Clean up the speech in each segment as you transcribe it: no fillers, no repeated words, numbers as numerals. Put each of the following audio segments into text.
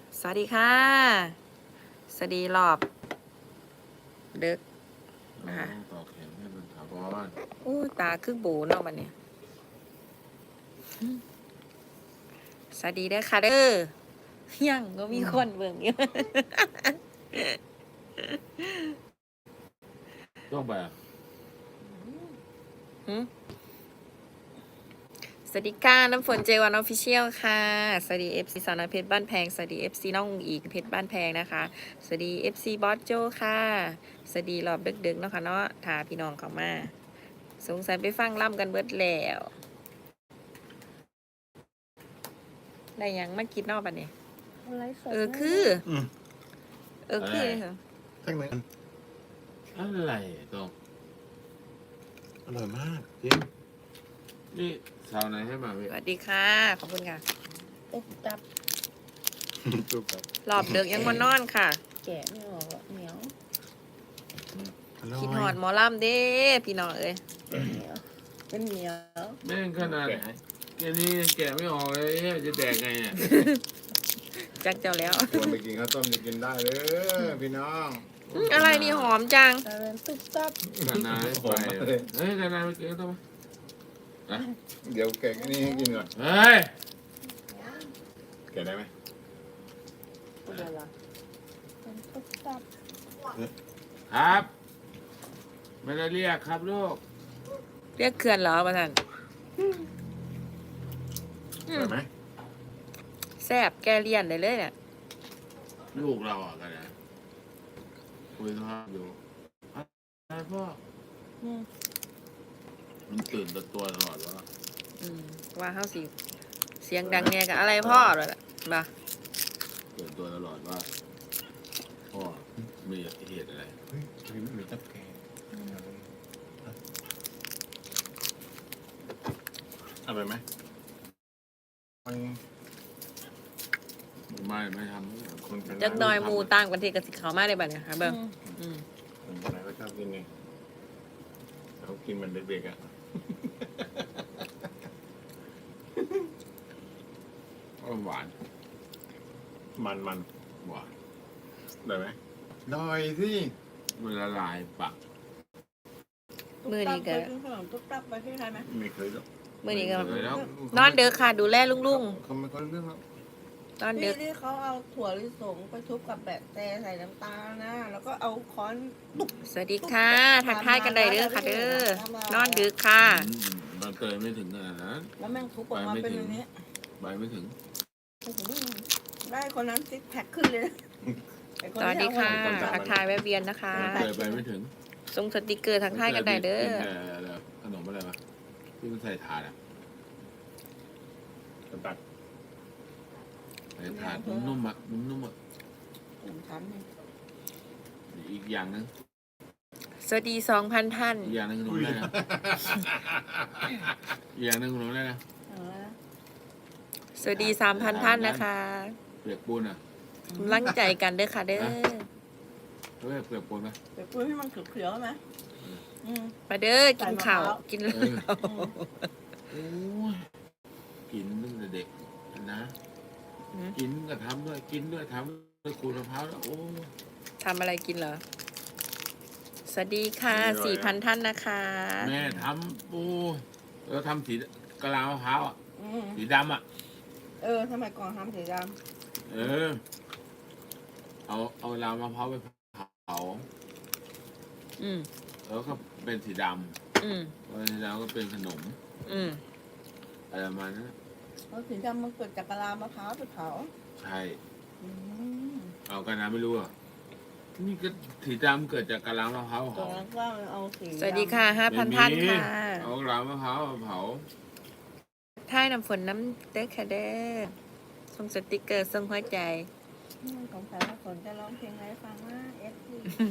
สวัสดีค่ะสวัสดีรอบเด็กนะคะต่อแขนให้มันถาวรอู้ตาคือโบเนาะบัดเนี่ยสวัสดีเด้อค่ะเด้อยังก็มีคนเบิ่งอยู่ต้องแบบหึสวัสดีค่ะน้ำฝนเจวันออฟฟิเชียลค่ะสวัสดีเอฟซีสาวน้อยเพชรบ้านแพงสวัสดีเอฟซีน้องอุ๋งอิงเพชรบ้านแพงนะคะสวัสดีเอฟซีบอสโจค่ะสวัสดีรอบดึกๆเนาะค่ะเนาะทาพี่น้องเข้ามาสงสัยไปฟังล่ำกันเบิดแล้วได้ยังมากินนอกบัดเนี่ยคือคือเหรอทั้งนั้นอะไรต้องอร่อยมากจริงนี่สาวไหนให้มาพี่สวัสดีค่ะขอบคุณค่ะตุ๊บตับจุกครับรอบเดึกยังมานอนค่ะแกะไม่ออกอะเหนียวอร่อยคิดหอดหมอลำเด้พี่น้องเอ้ยเหนียวเป็นเหนียวแม่งขนาดแกนี้ยังแกะไม่ออกเลยจะแดกไงเนี่ยจักเจ้าแล้วชวนไปกินข้าวต้มจะกินได้เลยพี่น้องอะไรนี่หอมจังกลายเป็นตุ๊บตับขนาดไปเฮ้ยขนาดไปกินต้องมาเดี๋ยวแกะอันนี้ให้กินก่อนเฮ้ยแกะได้ไหมเป็นอะไรเป็นตุ๊บตับครับไม่ได้เรียกครับลูกเรียกเขื่อนเหรอประธานอร่อยไหมแซ่บแกเลี่ยนได้เลยเนี่ยลูกเราอ่ะกันนะคุยโทรศัพท์อยู่อะไรพ่ออืมมันตื่นตัวตลอดว่าว่าเฮาสิเสียงดังแงกับอะไรพ่อเลยล่ะมาตื่นตัวตลอดว่าพ่อมีเหตุอะไรเฮ้ยมีตับแกะอร่อยไหมมันไม่ทำคนเป็นจักหน่อยหมูต่างประเทศกับสิเขามาได้บัดเนี่ยค่ะเบิ่งอืมคนเป็นอะไรก็ชอบกินนี่เขากินมันเด็กๆอ่ะหวานมันหวานได้ไหมได้สิมันละลายปากมื้อนี้ก็เคยกินขนมตุ๊บตับไปที่ไทยไหมไม่เคยหรอกมื้อนี้ก็เลยแล้วนอนเด้อค่ะ ดูแลลุงเขาไม่ค่อยเรื่องหรอกๆนอนเด้อที่เขาเอาถั่วลิสงไปทุบกับแบบแต่ใส่น้ำตาลนะ แล้วก็เอาค้อนสวัสดีค่ะทักทายกันได้เด้อค่ะเด้อนอนดึกค่ะมันเตยไม่ถึงขนาดนั้นแล้วแม่งทุบออกมาเป็นอย่างนี้ใบไม่ถึงโอ้โหได้คนนั้นซิกแพคขึ้นเลยนะไอ้นสวัสดีที่ค่ะเอาทักทายแวะเวียนนะคะเตยใบไม่ถึงส่งสติกเกอร์ทักทายกันได้เด้อขนมอะไรวะที่มันใส่ถาดอ่ะตัดใส่ถาดนุ่มๆอ่ะนุ่มๆอ่ะผมทำเนี่ยอีกอย่างนึงสวัสดี 2,000 ท่านอีกอย่างนึงขนมอะไรนะอีกอย่างนึงขนมอะไรนะเอาละสวัสดี 3,000 ท่านนะคะเปียกปูนอ่ะกำลังใจกันเด้อค่ะเด้อเฮ้ยเปียกปูนไหมเดี๋ยวปุ้ยให้มันเขียวๆไหมอืมมาเด้อกินข้าวกินเออโอ้ยกินตั้งแต่เด็กนะ กินก็ทำด้วยกินด้วยทำด้วยขูดมะพร้าวแล้วโอ้ทำอะไรกินเหรอ สวัสดีค่ะ 4,000 ท่านนะคะแม่ทำโอ้แล้วทำสีกะลามะพร้าวอ่ะอืมสีดำอ่ะสมัยก่อนทำสีดเออ เอาลามะพร้าวไปเผาอืมแล้วก็เป็นสีดอืมำพอสีดำก็เป็นขนมอืมอะไรประมาณนั้นำเพราะสีดำมันเกิดจากกะลามะพร้าวไปเผาใช่อืมเอากันนะไม่รู้อ่ะนี่ก็สีดำเกิดจากกะลามะพร้าวตรเผางนั้นก็เอาสีสวัสดีค่ะไม่ 5,000 มีท่านค่ะเอากะลามะพร้าวเผาท่ายน้ำฝนน้ำเด้อค่ะเด้อส่งสติกเกอร์ส่งหัวใจสงสัยว่าฝนจะร้องเพลงอะไรฟังว่าเอฟซี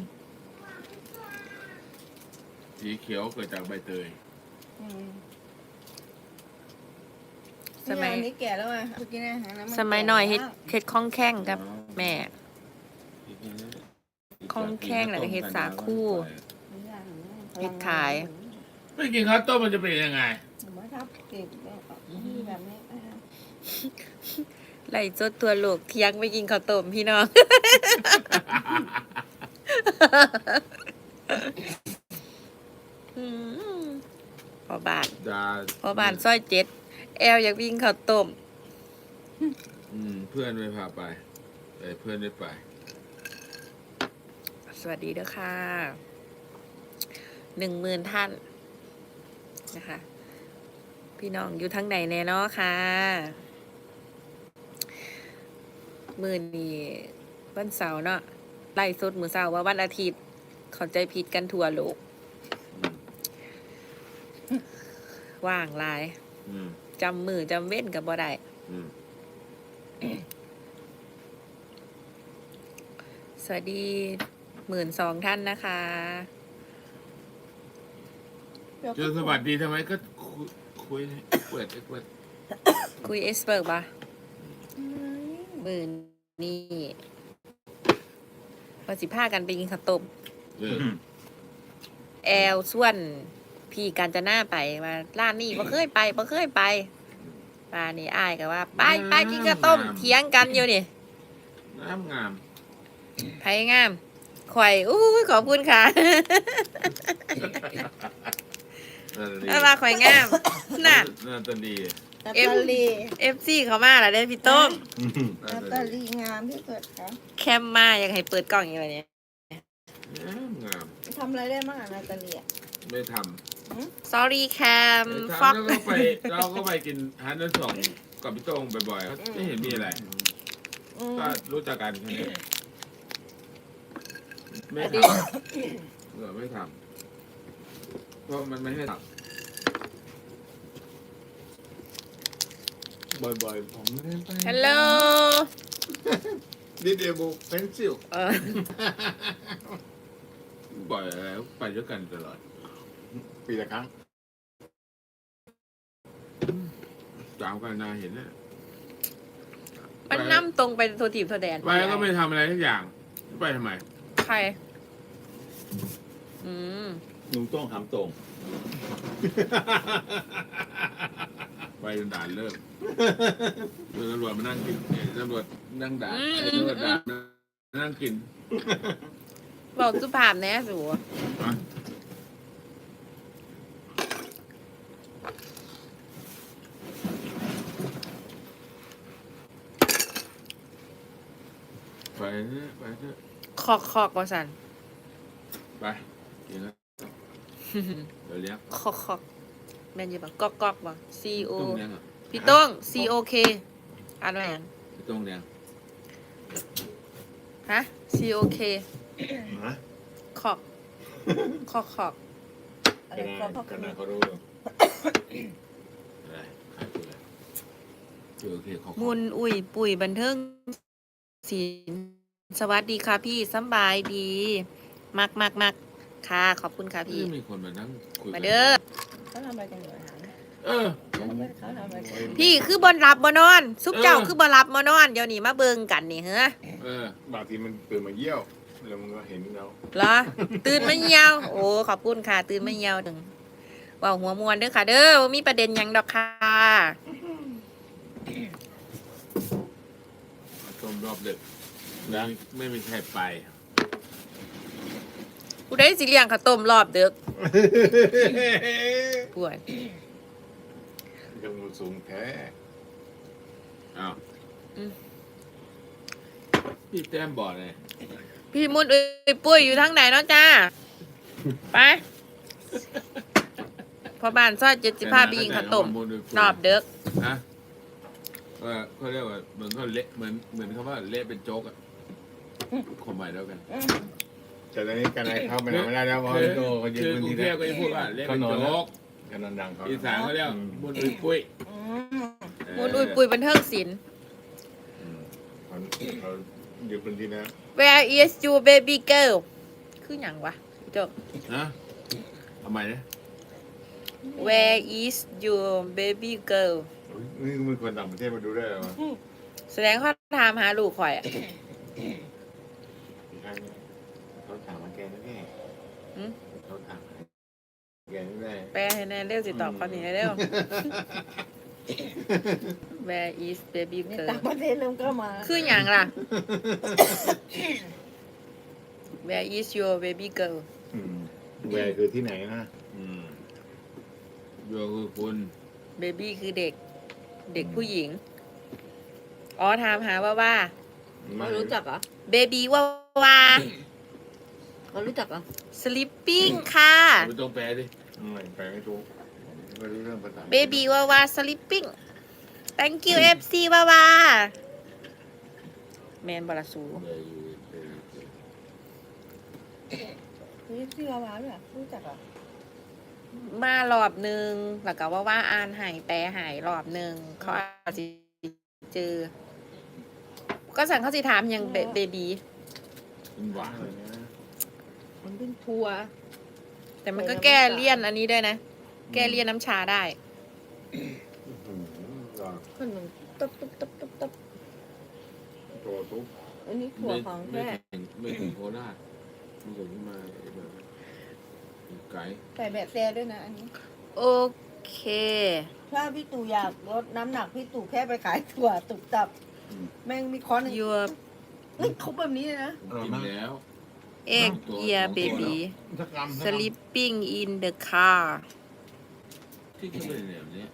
สีเขียวเกิดจากใบเตยสมัยอันนี้แก่แล้วไงเมื่อกี้นะฮะสมัยหน่อยเฮ็ดคล่องแข้งกับแม่ คล่องแคล่งแล้วก็เฮ็ดสาคู เฮ็ดขายไม่กินข้าวต้มมันจะเป็นยังไงผมว่าทับเก็บแบบนี้ไล่จดตัวโลกเที่ยงไปกินข้าวต้มพี่น้อง อืมพอบานดาพอบานซอย7แอลอยากวิ่งข้าวต้มเพื่อนไม่พาไปแต่เพื่อนได้ไปสวัสดีเด้อค่ะ10,000 ท่านนะคะ พี่น้องอยู่ทั้งไหนแน่เนาะค่ะมื้อนี้วันเสาร์เนาะไล่สดมื้อเสาร์ว่าวันอาทิตย์เข้าใจผิดกันทั่วโลก ว่างหลายอืมจำมือจำเว้นกับบ่ได้อืมสวัสดี12,000 ท่านนะคะเจอสวัสดีทำไมก็คุยเปิดคุยเอสเบิร์กปะมือนี่พอ15กันไปกินข้าวต้มเออแอลส่วนพี่การจะหน้าไปมาร้านนี้บ่เคยไปป้านี่อ้ายก็ว่า ไปกินข้าวต้มเถียงกันอยู่นี่งามงามไผงามข่อยอู้ยขอบคุณค่ะน่าว่าข่อยงามน่ะน่าตาดีนาตาลี FC เขามาแล้วเด้อพี่ต้มน่านาตาตาดีลีงามที่สุดค่ะแคมมาอยากให้เปิดกล้องอย่างไรเนี่ยงามทำอะไรได้บ้างอะนาตาลีอะไม่ท sorry แคมำฟอกเราก็ไปกินฮันนั่นสองกับพี่โต้งบ่อยๆไม่เห็นมีอะไรอืมก็รู้จักกันแค่นี้ไม่ทำไม่ทำเพราะมันไม่ให้ทำบ่อยๆผมไม่ได้ไปฮัลโหลดิเดโบเพนซิลเออบ่อยอะไรไปด้วยกันตลอดปีละครั้งจามกันนาเห็นนะมันนั่ตรงไปโทรทีบโทรแดนไปก็ไม่ทำอะไรทุกอย่างไปทำไมใคร อืมลุงต้องถามตรงไปจนด่านเริ่มตำรวจมานั่งกินตำรวจนั่งด่าตำรวจด่านั่งกินบอกสุภาพแน่สูไปเถอะไปเถอะคอกว่าสันไปกินแล้วเดี๋ยวเลี้ยงคอกแม่นอยี่ปะกอกบ่ C O ต้มเลี้ยงอ่ะพี่โต้ง C O K อ่านว่าหยังต้มเลี้ยงฮะ C O K ฮะคอกคอกอะไรขก็พ่อนากันดเขารู้อะไรขายตัวอะไรโอเคขอบมุนอุ่ยปุ๋ยบันเทิงศิลป์สวัสดีค่ะพี่สำบายดี มักค่ะ ขอบคุณค่ะพี่มีคนมานั่งคุยมาเด้อเขาทำอะไรกันอยู่อะถามเออเขาทำอะไรกันพี่คือบนรับบนอน ซุปเจ้าคือบนรับบนอน เดี๋ยวนี้มาเบิงกันนี่เฮ้อบางทีมันตื่นมาเยี่ยวแล้วมันก็เห็นเราเหรอ ตื่นมาเหี่ยว โอ้ขอบคุณค่ะ ตื่นมาเหี่ยวถึงเว่าหัวมวนเด้อค่ะ เด้อบ่มีประเด็นหยังดอกค่ะต้มรอบดึกนะไม่มีใครไปผู้ใดสิเลี้ยงข้าวต้มรอบดึกป่วยยังมันสูงแท้อ้าวพี่แต้มบอกเลยพี่มุนเอ้ยปุ้ยอยู่ทางไหนเนาะจ้า ไปพอบ้านซอย75ปีข้าวต้มรอบดึกฮะเขาเรียกว่าเหมือนเขาเละเหมือนเขาว่าเละเป็นโจ๊กอะความหมายเดียวกันแต่ตอนนี้กันไหนเข้าไปไหนไม่ได้แล้วเพราะพี่โตเขายืนคือพื้นกรุที่งเทแล้พวก็จะพูดว่าเละเป็นโจ๊กกันนอนดังเขาอีสานเขาเรียกบุญอุ้ยปุ้ยมุนอุ้ยปุ้ยบันเทิงศิลป์เขายืนพื้นที่แล้ว Where is your baby girl คือหยังวะพี่โจนะทำไมเนี่ย Where is your baby girl นี่มีคนต่างประเทศมาดูได้เหรอแสดงเขาถามหาลูกข่อยอ่ะอีกครั้งเขาถามมาแกแน่หืมเขาถามแกแน่แปลให้แน่เร็วสิตอบข้อนี้เร็ว Where is baby ใน girl ต่างประเทศเริ่มก็มาคืออย่างล่ะ Where is your baby girl แวร์คือที่ไหนนะโยคือคุณ baby คือเด็ก เด็กผู้หญิง อ๋อถามหาว่าเขารู้จักเหรอ baby ว่าเขารู้จักเหรอ sleeping ค่ะไม่ต้องแปลดิไม่ไปไม่ถูกไม่รู้เรื่องภาษา baby ว่า sleeping thank you FC ว่าแมนบาลาซูนี่ชื่อวาวาด้วยเหรอรู้จักเหรอมารอบหนึ่งแล้วก็ว่าอ่านหายแปลหายรอบหนึ่งเขาอาจจะเจอ ก็สั่งเขาสิถามยังเบบีเป็นหวานอะไรนะมันเป็นทัวร์แต่มันก็แก้เลี่ยนอันนี้ด้วยนะ แก้เลี่ยนน้ำชาได้ขนมตับตับตับตับตับตัวทุกอันนี้ถั่วของไม่แท้ไม่ถึงโคราชมันถึงมาแบบไก่ใส่แบบแซ่ด้วยนะอันนี้โอเคถ้าพี่ตู่อยากลดน้ำหนักพี่ตู่แค่ไปขายถั่วตุกตับ แม่งมีคอนหนึ่ง your นี่เขาแบบนี้เลยนะกินแล้ว egg year baby สักกรัม sleeping in the car ที่กินเป็นแบบนี้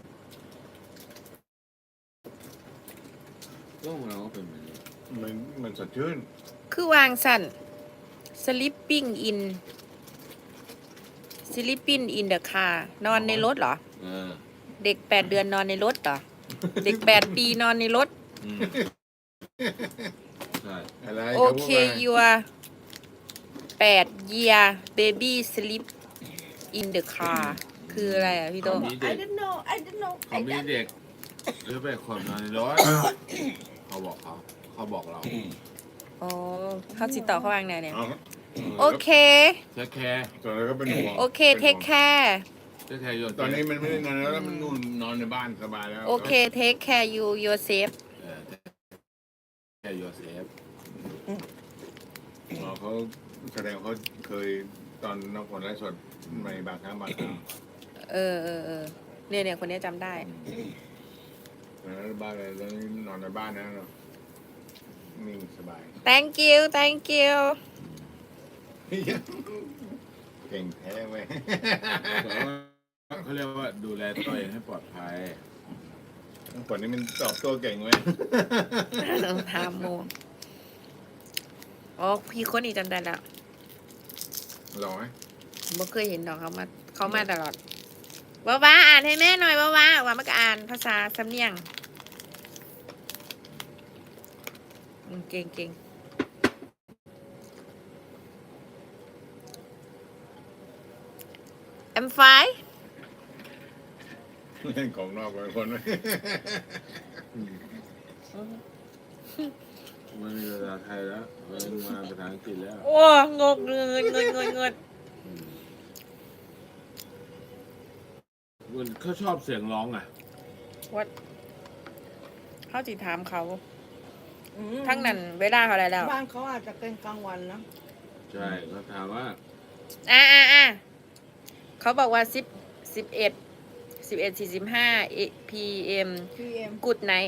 ก็ของเราก็เป็นแบบนี้มันสดชื่นคือวางสั่น sleeping in the car นอนในรถเหรอเออเด็ก8 เดือนนอนในรถเหรอ เด็ก8 ปีนอนในรถใช่อะไรโอเค your 8 year baby sleep in the car คืออะไรอ่ะพี่โตเขามีเด็ I ก don't know I don't know เขามีเด็กหรือไปคนนอนในรถเขาบอกเขาบอกเราอ๋อเขาติดต่อเขาวางไหนเนี่ยเอาโอเคแค่แค่ตอนนั้นก็เป็นห่วงโอเค take care แค่โยนตอนนี้มันไม่ได้นอนแล้วมันนู่นนอนในบ้านสบายแล้วโอเค take care you yourself แค่โยเซฟเขาแสดงเขาเคยตอนนักผลไร้สดในบางครั้งบางคราวเออเนี่ยคนนี้จำได้แล้วบ้านอะไรแล้วนอนในบ้านนะเนาะนิ่งสบาย thank you เก่งแท้เว้ยเขาเรียกว่าดูแลตัวเองให้ปลอดภัยผลนี้มันตอบโต้เก่งเว้ยทามโมอ๋อพี่คนนี้จำได้แล้วหล่อไหมบ่เคยเห็นดอกเขามาตลอดว้าอ่านให้แม่หน่อยว้ามันก็อ่านภาษาสำเนียงเก่งI'm fine เล่นของนอกไปคนเลยไม่มีภาษาไทยแล้วมันมาภาษาอังกฤษแล้วโอ้งกเงินมันเขาชอบเสียงร้องอ่ะวัดเขาจิถามเขาอืมทั้งนั้นเวลาเขาอะไรแล้วบ้านเขาอาจจะเป็นกลางวันนะใช่เขาถามว่าเขาบอกว่า11:45 PM พี่เอ็ม Good night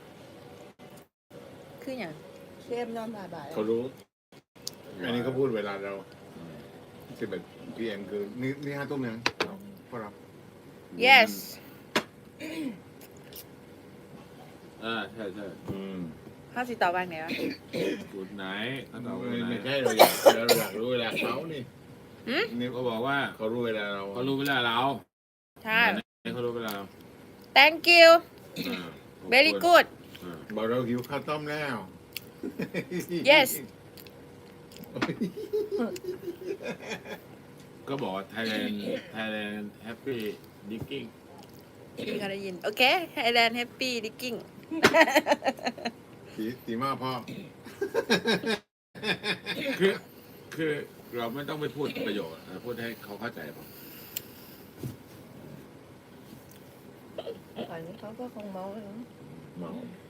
คืออย่างเชฟนอนบ่ายๆเขารู้ อันนี้เขาพูดเวลาเรา11 PM คือนี่5 ทุ่มยังพวกเรา yes ใช่เขาสิตอบว่าไงวะกูดไหนเขาตอบว่าไม่ไหนใช่เราอยากรู้เวลาเขานี่นี่เขาบอกว่าเขารู้เวลาเราเขารู้เวลาเราใช่เขารู้เวลาเรา thank you อ่า very good อ่าบอกเราหิวข้าวต้มแล้ว yes ก็บอกว่า Thailand happy digging พี่เขาได้ยิน โอเค Thailand happy digging ตีมากพ่อคือเราไม่ต้องไปพูดประโยชน์พูดให้เขาเข้าใจพอตอนนี้เขาก็คงเมาแล้วนะเมา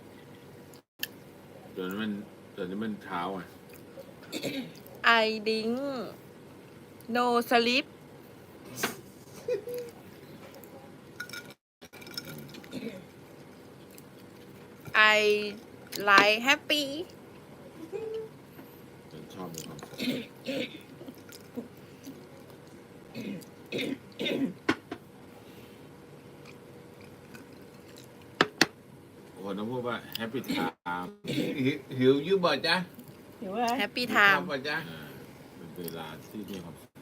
จนมันเช้าอ่ะ I drink no sleep ไลฟ์แฮปปี้ฉันชอบมีความสุขคนต้องพูดว่าแฮปปี้ไทม์หิวยืบ่จ๊ะเห็นว่าแฮปปี้ไทม์บ่จ๊ะเป็นเวลาที่มีความสุข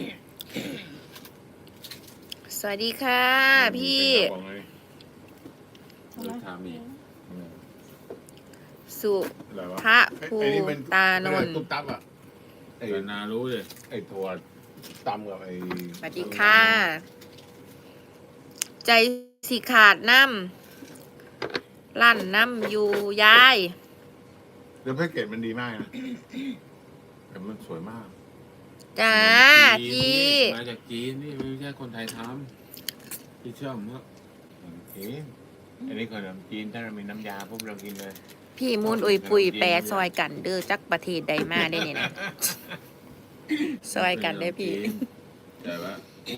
สวัสดีค่ะ พี่เป็นกระป๋องเลยเวลามีสุอะไรวะพระภูไอ้นี่มันตานนท์ตุ๊บตับอ่ะไอ้แต่นารู้เลยไอ้ถั่วตำกับไอ้สวัสดีค่ะ ใจสิขาดน้ำลั่นน้ำอยู่ยายแล้วแพ็กเกจมันดีมากนะแต่มันสวยมากจ้าจีนพี่มาจากจีนนี่ไม่ใช่คนไทยทำพี่เชื่อผมเถอะเอ๊ะอันนี้ขนมจีนถ้าเรามีน้ำยาพวกเรากินเลยพี่มูนอุยปุยแปรซอยกันเด้อจักประเทศใดมาได้เนี่ยนะซอยกันได้อพี่แต่ว่า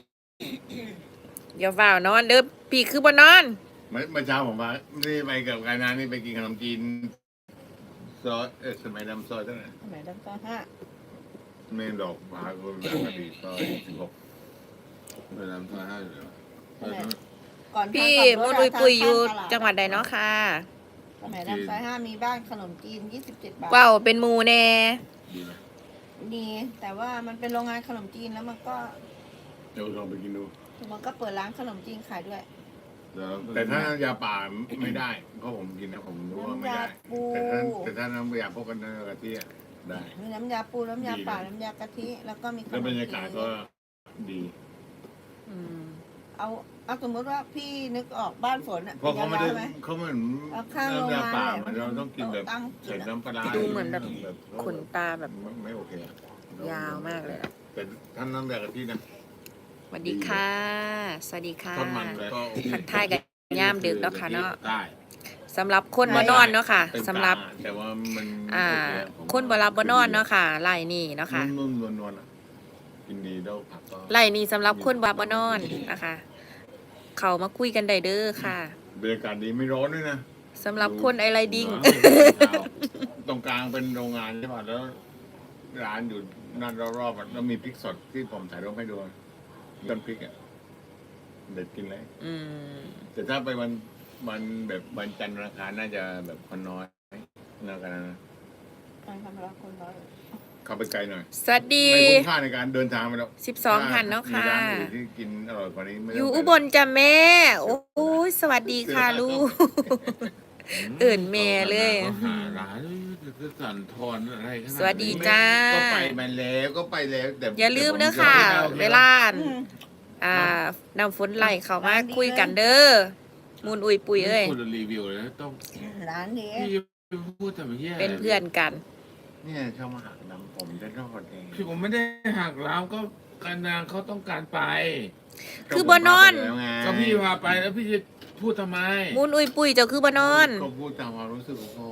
อย่าฝ่าวนอนเด้อพี่คือบ่นอนเมื่อเช้าผมว่านี่ไปกับการนานี่ไปกินขนมจีนซอยสมัยดำซอยเท่าไหร่สมัยดังตอนห้าเมนดอกพาคนแบบอดีตซอย16 เวลาทำให้เลยก่อนพี่ทางมูขับนรอุถยปุยอยู่ทางตลาจังหวัดใดเนาะค่ะสมัยดังซอย5มีบ้านขนมจีน27 บาทว้าวเป็นหมูแน่ดีไหมดีแต่ว่ามันเป็นโรงงานขนมจีนแล้วมันก็เดี๋ยวลองไปกินดูเปิดร้านขนมจีนขายด้วยแต่ถ้าน้ำยาป่าไม่ได้เพราะผมกินนะผมรู้ว่าไม่ได้น้ำยาปูแต่ถ้าน้ำยาพวกกันกะทิอะได้มีน้ำยาปูน้ำยาป่าน้ำยากะทิแล้วก็มีขนแล้วมบรรจียากาศนก็ดีอืมเอาสมมติว่าพี่นึกออกบ้านฝนอ่ะเพราะเขาไม่ได้ไหมเขาเหมือนเอาข้างโรงงานน้ำยาป่าเลยมันเราต้องกินแบบตั้งกิใส่นอะน้ำปลาร้าดูเหมือนแบบ ขนตาแบบไม่โอเคอะยาวมากเลยอะแต่ท่านน้ำยากะทินะสวัสดีค่ะ สวัสดีค่ะทอดมันก็โอเคทักทายกันย่ามดึกแล้วค่ะเนาะได้สำหรับคนบ่นอนเนาะค่ะเต็มตาสำหรับแต่ว่ามันอ่าโอเคอะผมคนบ่รับบ่นอนเนาะค่ะไล่นี่เนาะค่ะนุ่มๆนวลๆอะกินดีแล้วผักก็ไล่นี่สำหรับคนบ่รับบ่นอนนะคะ เขามาคุยกันได้เด้อค่ะบรรยากาศดีไม่ร้อนด้วยนะสำหรับคนไอไลดิ้งตรงกลางเป็นโรงงานใช่ป่ะแล้วร้านอยู่นั่นรอบๆอะแล้วมีพริกสดที่ผมถ่ายรูปให้ดูต้นพริกอ่ะเด็ดกินเลยอืมแต่ถ้าไปวันแบบวันจันทร์วันอังคารน่าจะแบบคนน้อยน่ากันนะการทำร้านคนน้อยเข้าไปไกลหน่อยสวัสดีไม่คุ้มค่าในการเดินทางไปแล้ว 12ท่านเนาะค่ะมีร้านอื่นที่กินอร่อยกว่านี้ไม่ต้งอยู่ไปอุบลจ้ะแม่ โอ้ยสวัสดีค่ะลูก เอิ่นแม่เลยก็หาร้านจะสั่นทอนอะไรขนาดนี้สวัสดีจ้าก็ไปมาแล้วก็ไปแล้วแต่อย่าลืมเด้อค่ะแต่ผมเวลาน้ำฝนไหลเข้ามาคุยกันเด้อมูนอุยปุยเอ้ยคนรีวิวเลยนะต้องร้านนี้พี่พูดแต่ไม่แย่เป็นเพื่อนกันเนี่ยชอบมาหักน้ำผมจะรอดเองพี่ผมไม่ได้หักล้างก็การนางเขาต้องการไปคือบ่นอนก็พี่พาไปแล้วพี่จะพูดทำไมมูนอุยปุยเจ้าคือบ่นอนก็พูดตามความรู้สึกของผม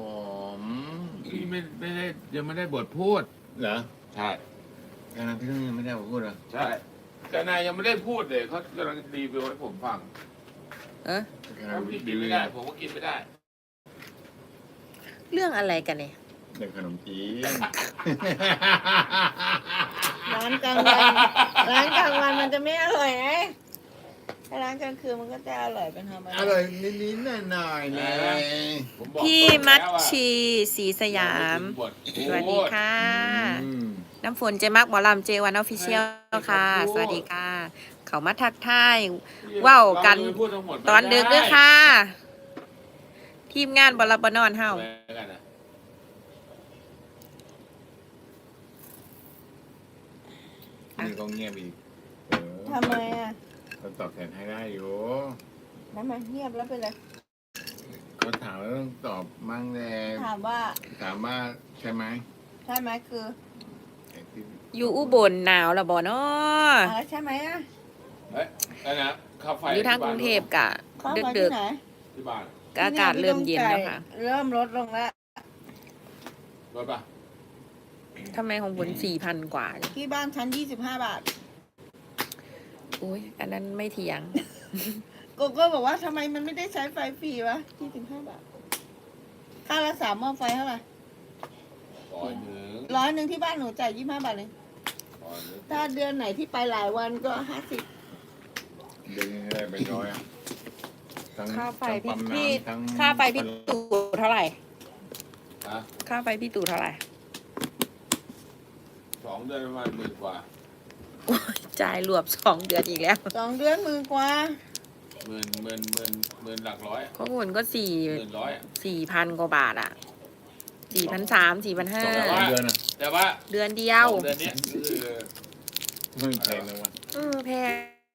พี่ไม่ได้ยังไม่ได้บทพูดเหรอใช่การนั้นพี่ต้องยังไม่ได้พูดเหรอใช่แต่นายยังไม่ได้พูดเลยเขากำลังรีวิวให้ผมฟังเออถ้าพี่กินไม่ได้ผมก็กินไม่ได้เรื่องอะไรกันเนี่ยเด็กขนมจีนร้านกลางวันร้านกลางวันมันจะไม่อร่อยไงถ้าร้านกลางคืนมันก็จะอร่อยเป็นธรรมดาอร่อยนิดๆหน่อยๆเลยผมบอกพี่ตรงมัแล้ชวอะชีศรีสยามบทสวัสดีค่ะอืมน้ำฝนเจมักหมอลำเจวันออฟฟิเชียลค่ะ สวัสดีค่ะ เขามาทักทาย ว้าวกันพูดทั้งหมดตอนดึกด้วยค่ะ ทีมงานบอลบนอนเฮาไม่ได้นะนี่ก็เงียบอีกทำไมอ่ะก็ตอบแทนให้ได้อยู่ทำไมเงียบแล้วเป็นไรเขาถามแล้วต้องตอบมั่งแน่ถามว่าถามว่าใช่ไหมใช่ไหมคือไอ้ที่อยู่อุบลหนาวละบ่เนาะอะไรใช่ไหมอ่ะเฮ้ยนั่นนะข้าวไฟอยู่ทางกรุงเทพกะเข้าดึกมาดึที่กไหนที่บ้านๆก็อากาศเริ่มเย็นแล้วค่ะเริ่มลดลงแล้วรถป่ะทำไมของผล4,000 กว่าเนี่ยที่บ้านชั้น25 บาทโอ้ยอันนั้นไม่เถียงโกโก้บอกว่าทำไมมันไม่ได้ใช้ไฟฟรีวะ25 บาทค่ารักษาหม้อไฟเท่าไหร่ 100 100ที่บ้านหนูจ่าย25 บาทเลย ถ้าเดือนไหนที่ไปหลายวันก็50 เดือนนี้ได้เป็นร้อยอะทั้งค่าไฟทั้งพี่ปั๊มน้ำทั้งค่าไฟพี่ตู่เท่าไหร่ฮะค่าไฟพี่ตู่เท่าไหร่ 2 เดือนประมาณ10,000 กว่าจ่ายรวบ2 เดือนอีกแล้ว 2 เดือนหมื่นกว่าหมื่นหลักร้อยอะข้อมูลก็ 1,100อะ 4,000 กว่าบาทอ่ะ4,300 สอง 4,500 เดือนอะแต่ว่าเดือนเดียว 2 เดือนเนี้ยคือไม่แพงเลยวะแพง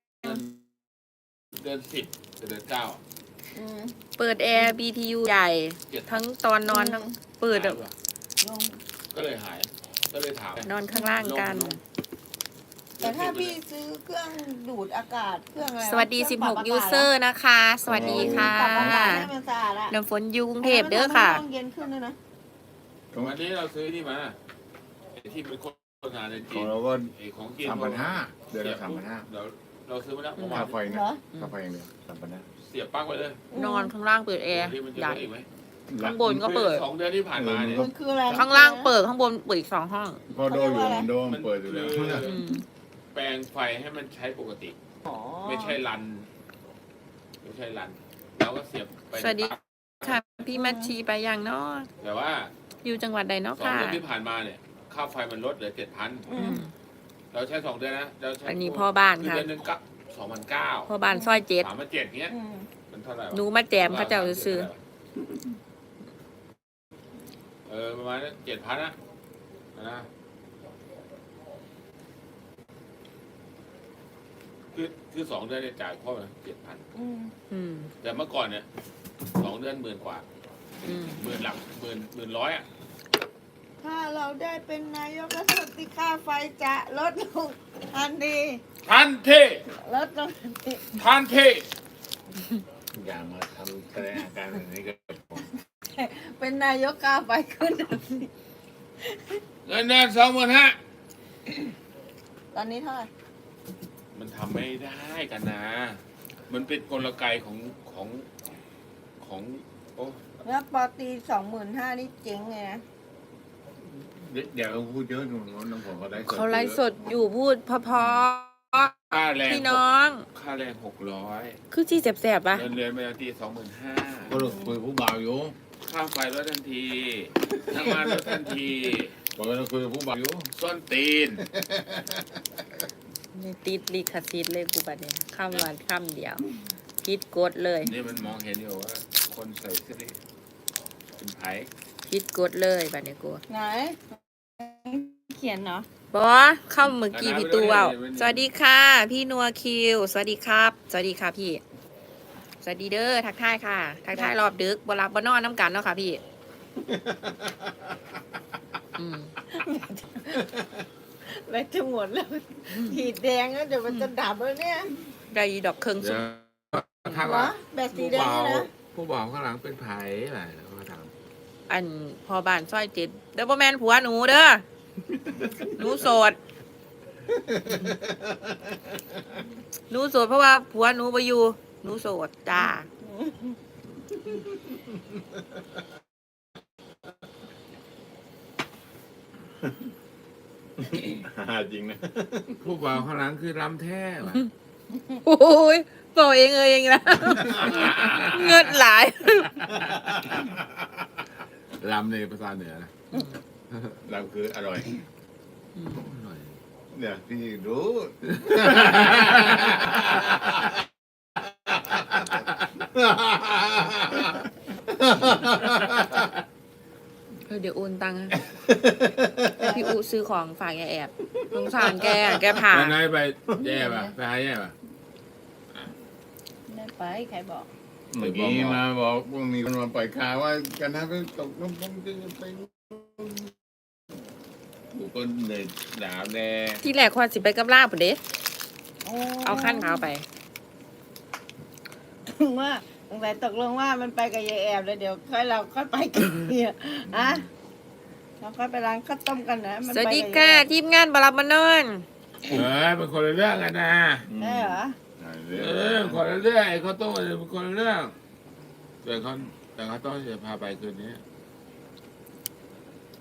เดือน10กับเดือน 9 อืมเปิดแอร์ BTU ใหญ่ ทั้งตอนนอนทั้งเปิดอะลงก็เลยหาย ก็เลยถามนอนข้างล่างกันแต่ถ้าพี่ซื้อเครื่องดูดอากาศเครื่องอะไรสวัสดีเครื่องปรับ 16 ยูเซอร์นะคะ สวัสดีค่ะปรับอากาศให้มันสะอาดอะน้ำฝนอยู่กรุงเทพเด้อค่ะห้องเย็นขึ้นด้วยนะวันนี้เราซื้อนี่มาไอ้ที่เป็นโฆษณาในขจีองนเราก็ไอ้ของจีน 3,500เดือนละ3,500 เดี๋ยวเราซื้อมาแล้วเมื่อวาค่าน ไฟนะเหรอค่าไฟอย่างเดียว3,500 เสียบปลั๊กไว้เลยนอนข้างล่างเปิดแอร์ที่มันจะใหญ่ได้อีกไหมข้างบนก็เปิด 2 เดือนที่ผ่านมาเนี่ยมันคืออะไรข้างล่างเปิดข้างบนเปิดอีก2 ห้องพอโดอยู่มันโดมันเปิดอยู่แล้วอืมแปลงไฟให้มันใช้ปกติอ๋อไม่ใช่รัน เราก็เสียบไปสวัสดีค่ะ พี่มัชชีไปยังเนาะแต่ว่าอยู่จังหวัดใดเนาะ 2 ค่ะเดือนที่ผ่านมาเนี่ยค่าไฟมันลดเหลืออืม 7,000เราใช้2 เดือนนะเราใช้อันนี้พ่อบ้านคือค่ะเดือนหนึงก็2,900 พ่อบ้านซอย7 3,700เงี้ยอืมมันเท่าไหร่วะหนูมาแจมเขาเจ้าซื้อประมาณนั้น7,000นะนะคือ2 เดือนเนี่ยจ่ายพ่อมา7,000 อืมอืมแต่เมื่อก่อนเนี่ย2 เดือน10,000 กว่าอืมหมื่นหลักหมื่นร้อยอ่ะถ้าเราได้เป็นนายกรัฐมนตรีค่าไฟจะลดลงทันทีทันทีลดลงทันทีทันทีอย่ามาทำแสดงอาการแบบนี้กับผมเป็นนายกค่าไฟขึ้นทันทีเงินเดือน25,000 ตอนนี้เท่าไหร่มันทำไม่ได้กันนะ มันเป็นกลไกของโอ้แล้วปอตี25,000นี่เจ๋งไงนะเดี๋ยวพูดเยอะหนูน้องผมเขาได้เขาไลฟ์สดอยู่พูดเพอค่าแรงๆพี่น้องค่าแรง600 คือจี้แสบๆปะเงินเดือนปกติก็ 25,000 คุยผู้บ่าวอยู่ค่าไฟลดทันทีน้ำมันลดทันทีผมก็คุยผู้บ่าวอยู่ส้นตีนนี่ติดลิขสิทธิ์เลยกูบัดเนี่ยคำวันคำเดียวพิดกดเลยนี่มันมองเห็นอยู่ว่า คนใส่เสื้อเป็นไผ่พิดกดเลยบัดเนี่ยกูไหน เขียนเนาะบอเข้าเมื่อกี้พี่ตูเว้าสวัสดีค่ะ พี่นัวคิว สวัสดีครับ สวัสดีค่ะพี่ สวัสดีเด้อทักทายค่ะ ทักทายรอบดึกบ่รับบ่นอนน้ำกันเนาะค่ะพี่ อืมแบตจะหมดแล้วขีดแดงแล้วเดี๋ยวมันจะดับแล้วเนี่ยได้อีดอกเครื่องสุดถ้าเหรว่าอแบตสีแดงเนี่ยนะผู้บ่าวข้างหลังเป็นไผ่อะไรเขาถามอันพอบ้านซอย7เด้อบ่แม่นผัวหนูเด้อหนูโสดหนูโสดเพราะว่าผัวหนูบ่อยู่หนูโสดจ้าจริงนะผู้บ่าวข้างหลังคือรำแท้ว่ะโอ้ยบอกเองนะ เงินหลายรำในภาษาเหนือนะเราคืออร่อยอร่อยเนี่ยพี่รู้เดี๋ยวโอนตังค์ให้พี่อูซื้อของฝากแกแอบสงสารแกอะแกผ่าวันไหนไปแย่ป่ะไปหาแย่ป่ะได้ไปใครบอกเมื่อกี้มาบอกว่ามีคนมาปล่อยข่าวว่ากันนะไปตกน้ำพุจะไปบุคคลเด็ดดาวแดงที่แรกควรสิไปกับลาบพุ่นเด้เอาขั้นขาวไปถึงว่าสงสัยตกลงว่ามันไปกับยายแอบแล้วเดี๋ยวค่อยเราค่อยไปกันเนี่ยอะเราค่อยไปร้านข้าวต้มกันนะมันสวัสไปดีกับค่ะยายแอบทีมงานบารับมานอนเป็นคนละเรื่องกันนะได้เหรอคนละเรื่องไอ้เขาวต้มเป็นคนละเรื่องแต่เขาต้องจะพาไปคืนนี้อ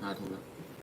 5 ทุ่มแล้ว